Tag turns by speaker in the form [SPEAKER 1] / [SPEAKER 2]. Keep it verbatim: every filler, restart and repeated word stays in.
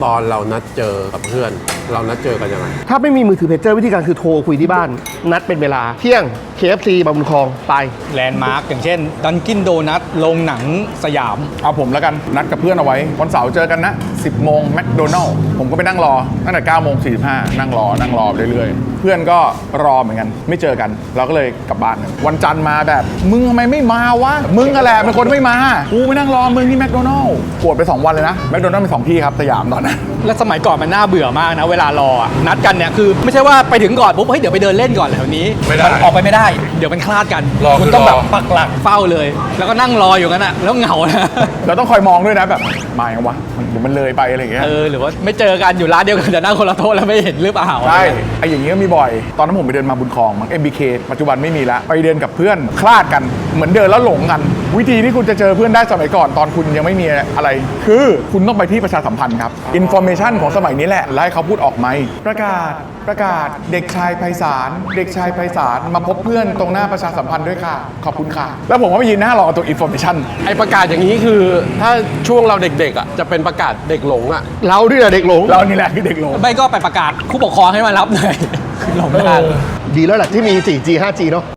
[SPEAKER 1] ตอนเรานัดเจอกับเพื่อน เรานัดเจอกันยังไง
[SPEAKER 2] ถ้าไม่มีมือถือเพจเจอร์วิธีการคือโทรคุยที่บ้านนัดเป็นเวลาเที่ยง เค เอฟ ซี บางบุญคลองไป
[SPEAKER 3] แลนด์มาร์กอย่างเช่นดันกินโดนัทโรงหนังสยาม
[SPEAKER 4] เอาผมแล้วกันนัดกับเพื่อนเอาไว้วันเสาร์เจอกันนะสิบโมงแมคโดนัลล์ผมก็ไปนั่งรอตั้งแต่เก้าโมงสี่สิบห้านั่งรอนั่งรอไปเรื่อยๆเพื่อนก็รอเหมือนกันไม่เจอกันเราก็เลยกลับบ้านกันวันจันทร์มาแบบมึงทำไมไม่มาวะมึงอะแหละเป็นคนไม่มากูไปนั่งรอมึงที่แมคโดนัลล์ปวดไปสองวันเลยนะแมคโดนัลล์มีสองที่ครับสยามตอนนั้น
[SPEAKER 3] และสมัยก่อนมันน่าเบื่อมากนะเวลารออะนัดกันเนี่ยคือไม่ใช่ว่าไปถึงก่อนปุ๊บเฮ้ยเดี๋ยวไปเดินเล่นก่อนแถวนี้มันออกไปไม่ได้เดี๋ยวมันคลาดกันคุณต้องแบบปักหลักเฝ้าเลยแล้วก็นั่งรออยู่งั้นอะแล้วเหงานะ
[SPEAKER 4] เราต้องคอยมองด้วยนะแบบมาอย่างวะเดี๋ยวมันเลยไปอะไรอย่างเงี้ย
[SPEAKER 3] เออหรือว่าไม่เจอกันอยู่ร้านเดียวกันแต่นั่งคนละโต๊ะแล้วไม่เห็นหรือเปล่า
[SPEAKER 4] ใช่ไอ้อย่างเงี้ยมีบ่อยตอนนั้นผมไปเดินมาบุญคลองมั้ง เอ็ม บี เค ปัจจุบันไม่มีละไปเดินกับเพื่อนคลาดกันเหมือนเดินแล้วหลงกันวิธีที่คุณจะเจอเพื่อนได้สมัยก่อนตอนคุณยังไม่มีอะไรคือคุณต้องไปที่ประชาสัมพันธ์ครับอินโฟเมชันของสมัยนี้แหละแล้วให้เขาพูดออกไหมประกาศประกาศเด็กชายไพศาลเด็กชายไพศาลมาพบเพื่อนตรงหน้าประชาสัมพันธ์ด้วยค่ะขอบคุณค่ะแล้วผมก็ไปยืนหน้ารอตัวอินโฟเมชัน
[SPEAKER 1] ไอประกาศอย่างนี้คือถ้าช่วงเราเด็กๆอ่ะจะเป็นประกาศเด็กหลงอ่ะ
[SPEAKER 2] เราด้วยเด็กหลง
[SPEAKER 4] เรานี่แหละคือเด็กหลง
[SPEAKER 3] ไม่ก็ไปประกาศผู้ปกครองให้มารับหน่อยหลงไม่ได้
[SPEAKER 2] ดีแล้วแหละที่มี โฟร์จี ไฟว์จี เนาะ